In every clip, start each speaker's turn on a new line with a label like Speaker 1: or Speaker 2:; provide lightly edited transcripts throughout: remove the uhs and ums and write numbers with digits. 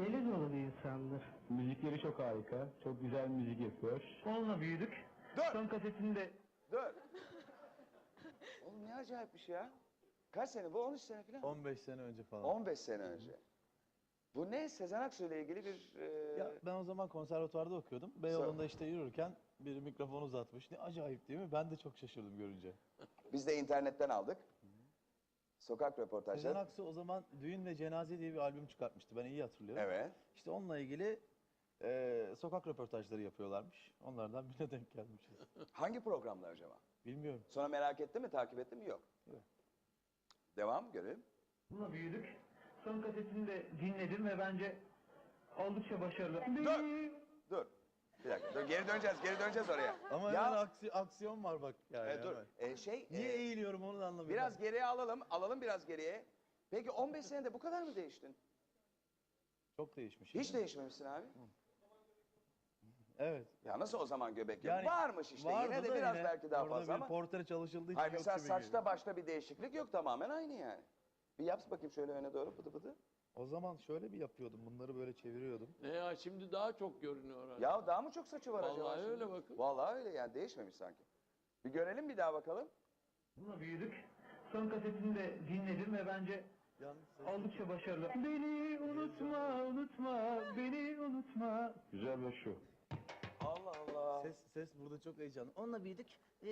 Speaker 1: Deli dolu bir insandır.
Speaker 2: Müzikleri çok harika. Çok güzel müzik yapıyor.
Speaker 1: Onunla büyüdük.
Speaker 3: Dur!
Speaker 1: Son kasetinde
Speaker 3: Dur! Oğlum ne acayipmiş ya. Kaç sene bu? 13 sene falan.
Speaker 4: 15 sene önce falan.
Speaker 3: 15 sene önce. Bu ne? Sezen Aksu ile ilgili bir...
Speaker 4: Ya ben o zaman konservatuvarda okuyordum. Beyoğlu'nda işte yürürken biri mikrofon uzatmış. Ne acayip değil mi? Ben de çok şaşırdım görünce.
Speaker 3: Biz de internetten aldık. Sokak
Speaker 4: Sezen
Speaker 3: röportajları.
Speaker 4: Aksu o zaman Düğün ve Cenaze diye bir albüm çıkartmıştı. Ben iyi hatırlıyorum.
Speaker 3: Evet.
Speaker 4: İşte onunla ilgili sokak röportajları yapıyorlarmış. Onlardan birine denk gelmişiz.
Speaker 3: Hangi programlar acaba?
Speaker 4: Bilmiyorum.
Speaker 3: Sonra merak etti mi, takip etti mi? Yok.
Speaker 4: Yok.
Speaker 3: Devam, görelim.
Speaker 1: onunla büyüdük. Son kasetinde dinledim ve bence oldukça başarılı.
Speaker 3: Dur. Bir dakika, dur, geri döneceğiz oraya.
Speaker 4: Ama
Speaker 3: Ya-
Speaker 4: hemen aksiyon var bak yani.
Speaker 3: Dur,
Speaker 4: hemen. Niye eğiliyorum onu da anlamıyorum.
Speaker 3: Biraz geriye alalım biraz geriye. Peki 15 senede bu kadar mı değiştin?
Speaker 4: Çok değişmiş.
Speaker 3: Hiç değişmemişsin abi.
Speaker 4: Evet.
Speaker 3: Ya nasıl o zaman göbek yok?
Speaker 4: Yani
Speaker 3: Varmış işte,
Speaker 4: vardı
Speaker 3: yine de
Speaker 4: da
Speaker 3: biraz
Speaker 4: yine
Speaker 3: belki daha
Speaker 4: orada
Speaker 3: fazla
Speaker 4: bir
Speaker 3: ama.
Speaker 4: portre çalışıldığı için
Speaker 3: Hayır,
Speaker 4: yok
Speaker 3: mesela
Speaker 4: gibi
Speaker 3: saçta
Speaker 4: geliyor.
Speaker 3: başta bir değişiklik yok, tamamen aynı yani. Bir yap bakayım şöyle öne doğru, pıtı pıtı.
Speaker 4: O zaman şöyle bir yapıyordum. Bunları böyle çeviriyordum.
Speaker 5: Ne ya şimdi daha çok görünüyor herhalde.
Speaker 3: Ya daha mı çok saçı var acaba?
Speaker 5: Vallahi
Speaker 3: şimdi?
Speaker 5: öyle bakın.
Speaker 3: Vallahi öyle yani, değişmemiş sanki. Bir görelim bir daha bakalım.
Speaker 1: Onunla büyüdük. Son kasetinde dinledim ve bence
Speaker 4: Yalnız
Speaker 1: oldukça başarılı. Beni unutma, beni unutma.
Speaker 2: Güzel ve şu.
Speaker 3: Allah Allah.
Speaker 4: ses burada çok heyecanlı. Onunla büyüdük.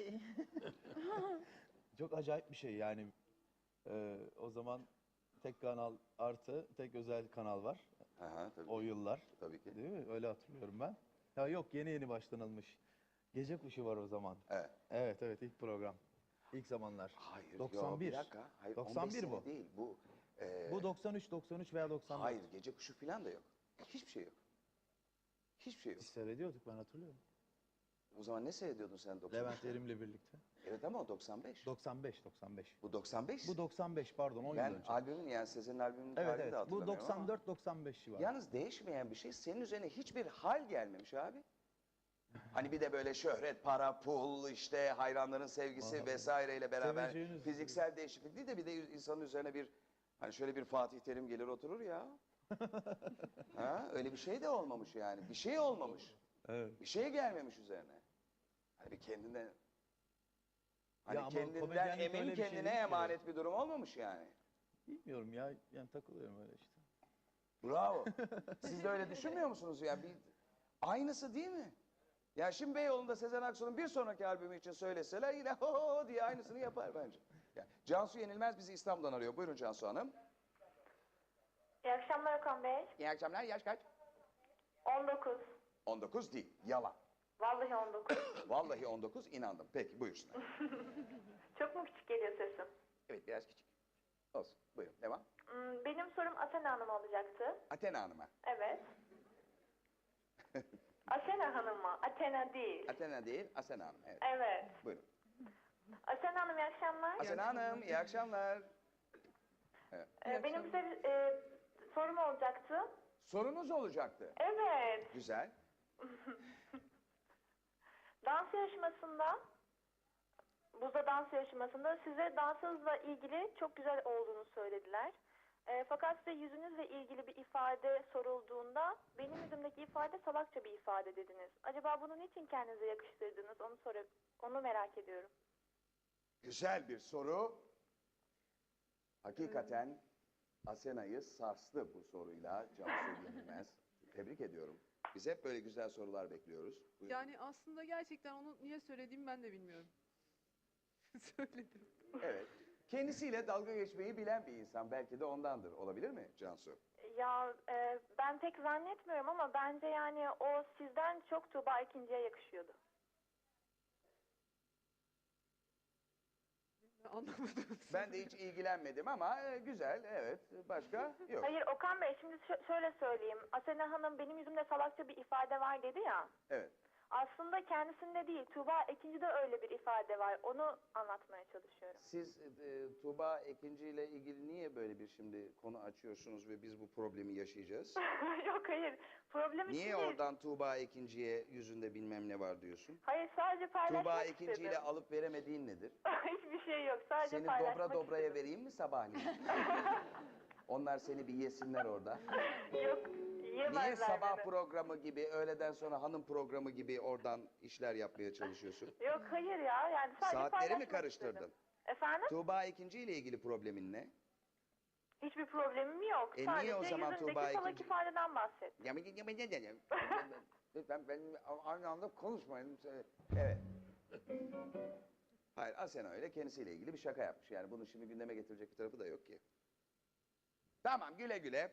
Speaker 4: Çok acayip bir şey yani. O zaman tek kanal artı tek özel kanal var.
Speaker 3: Aha, tabii.
Speaker 4: O yıllar.
Speaker 3: Tabii ki.
Speaker 4: Değil mi? Öyle hatırlıyorum ben. Ya yok yeni başlanılmış. Gece Kuşu var o zaman.
Speaker 3: Evet.
Speaker 4: Evet ilk program. İlk zamanlar.
Speaker 3: Hayır,
Speaker 4: 91.
Speaker 3: Yo, bir dakika. Hayır,
Speaker 4: 91
Speaker 3: 15 sene
Speaker 4: bu.
Speaker 3: değil. Bu,
Speaker 4: Bu 93 veya 94.
Speaker 3: hayır, gece kuşu falan da yok. Hiçbir şey yok. Hiçbir şey yok.
Speaker 4: Biz seyrediyorduk ben hatırlıyorum.
Speaker 3: O zaman ne seyrediyordun sen 95'te?
Speaker 4: Levent Erim'le birlikte.
Speaker 3: Evet ama o 95.
Speaker 4: 95.
Speaker 3: Bu 95.
Speaker 4: Bu 95 pardon 10 yıl
Speaker 3: Ben
Speaker 4: önce.
Speaker 3: albümün yani Sezen'in albümünün
Speaker 4: Evet
Speaker 3: tarihini de
Speaker 4: evet. Bu
Speaker 3: hatırlamıyorum ama.
Speaker 4: 94-95 civarı.
Speaker 3: Yalnız değişmeyen bir şey, senin üzerine hiçbir hal gelmemiş abi. Hani bir de böyle şöhret, para, pul, işte hayranların sevgisi vesaireyle beraber
Speaker 4: Seveceğiniz-
Speaker 3: fiziksel değişiklik değil de bir de insanın üzerine bir, hani şöyle bir Fatih Terim gelir oturur ya. Ha, öyle bir şey de olmamış yani. Bir şey olmamış.
Speaker 4: Evet.
Speaker 3: Bir şey gelmemiş üzerine. Hani bir kendinden, hani
Speaker 4: Ya ama
Speaker 3: kendinden
Speaker 4: komedyenlik
Speaker 3: emin,
Speaker 4: öyle bir şey
Speaker 3: kendine
Speaker 4: değil ki.
Speaker 3: emanet bir durum olmamış yani.
Speaker 4: Bilmiyorum ya. Yani takılıyorum öyle işte.
Speaker 3: Bravo. Siz de öyle düşünmüyor musunuz ya? Bir, aynısı değil mi? Ya şimdi Beyoğlu'nda Sezen Aksu'nun bir sonraki albümü için söyleseler yine ho diye aynısını yapar bence. Ya, Cansu Yenilmez bizi İstanbul'dan arıyor. Buyurun Cansu Hanım.
Speaker 6: İyi akşamlar Okan Bey.
Speaker 3: İyi akşamlar. Yaş kaç?
Speaker 6: 19.
Speaker 3: 19 değil. Yalan.
Speaker 6: Vallahi 19.
Speaker 3: Vallahi 19 inandım. Peki buyursunlar.
Speaker 6: Çok mu küçük geliyor sesim?
Speaker 3: Evet biraz küçük. Olsun. Buyurun devam.
Speaker 6: Benim sorum Asena Hanım olacaktı.
Speaker 3: Athena Hanım'a.
Speaker 6: Evet. Asena Hanım mı? Athena değil.
Speaker 3: Athena değil, Asena Hanım. Evet.
Speaker 6: Evet.
Speaker 3: Buyurun.
Speaker 6: Asena Hanım iyi akşamlar.
Speaker 3: Asena Hanım iyi akşamlar.
Speaker 6: Benim size sorum olacaktı.
Speaker 3: Sorunuz olacaktı.
Speaker 6: Evet.
Speaker 3: Güzel.
Speaker 6: Dans yarışmasında, buzda dans yarışmasında size dansınızla ilgili çok güzel olduğunu söylediler. Fakat size yüzünüzle ilgili bir ifade sorulduğunda benim yüzümdeki ifade salakça bir ifade dediniz. Acaba bunu niçin kendinize yakıştırdınız onu merak ediyorum.
Speaker 3: Güzel bir soru. Hakikaten Asena'yı sarstı bu soruyla Cansu Yenilmez. Tebrik ediyorum. Biz hep böyle güzel sorular bekliyoruz. Buyurun.
Speaker 7: Yani aslında gerçekten onu niye söylediğimi ben de bilmiyorum. Söyledim.
Speaker 3: Evet. Kendisiyle dalga geçmeyi bilen bir insan. Belki de ondandır. Olabilir mi Cansu?
Speaker 6: Ya ben pek zannetmiyorum ama bence yani o sizden çok Tuğba ikinciye yakışıyordu.
Speaker 7: Anlamadım.
Speaker 3: Ben de hiç ilgilenmedim ama güzel. Evet. Başka? Yok.
Speaker 6: Hayır Okan Bey şimdi şöyle söyleyeyim. Asena Hanım benim yüzümde salakça bir ifade var dedi ya.
Speaker 3: Evet.
Speaker 6: Aslında kendisinde değil, Tuğba Ekinci'de öyle bir ifade var. Onu anlatmaya çalışıyorum.
Speaker 3: Siz Tuğba Ekinci ile ilgili niye böyle bir şimdi konu açıyorsunuz ve biz bu problemi yaşayacağız?
Speaker 6: Yok hayır, problem için
Speaker 3: Niye
Speaker 6: değil.
Speaker 3: oradan Tuğba Ekinci'ye yüzünde bilmem ne var diyorsun?
Speaker 6: Hayır sadece paylaşmak
Speaker 3: Tuğba
Speaker 6: istedim.
Speaker 3: Ekinci ile alıp veremediğin nedir?
Speaker 6: Hiçbir şey yok, sadece
Speaker 3: Seni
Speaker 6: paylaşmak
Speaker 3: dobra dobraya
Speaker 6: istedim.
Speaker 3: vereyim mi sabahleyin? Onlar seni bir yesinler orada.
Speaker 6: Yok,
Speaker 3: Niye
Speaker 6: Yiyemezler
Speaker 3: sabah
Speaker 6: beni.
Speaker 3: programı gibi, öğleden sonra hanım programı gibi oradan işler yapmaya çalışıyorsun?
Speaker 6: Yok hayır ya, yani sadece
Speaker 3: Saatleri mi
Speaker 6: paylaşmak
Speaker 3: karıştırdın?
Speaker 6: istedim. Efendim?
Speaker 3: Tuğba ikinci ile ilgili problemin ne?
Speaker 6: Hiçbir problemim yok.
Speaker 3: Niye o
Speaker 6: Sadece
Speaker 3: zaman
Speaker 6: yüzündeki
Speaker 3: Tuğba
Speaker 6: salak
Speaker 3: ikinci-
Speaker 6: ifadeden bahsettim.
Speaker 3: Lütfen benimle aynı anda konuşmayın. Evet. Hayır, Asena öyle kendisiyle ilgili bir şaka yapmış. Yani bunu şimdi gündeme getirecek bir tarafı da yok ki. Tamam, güle güle.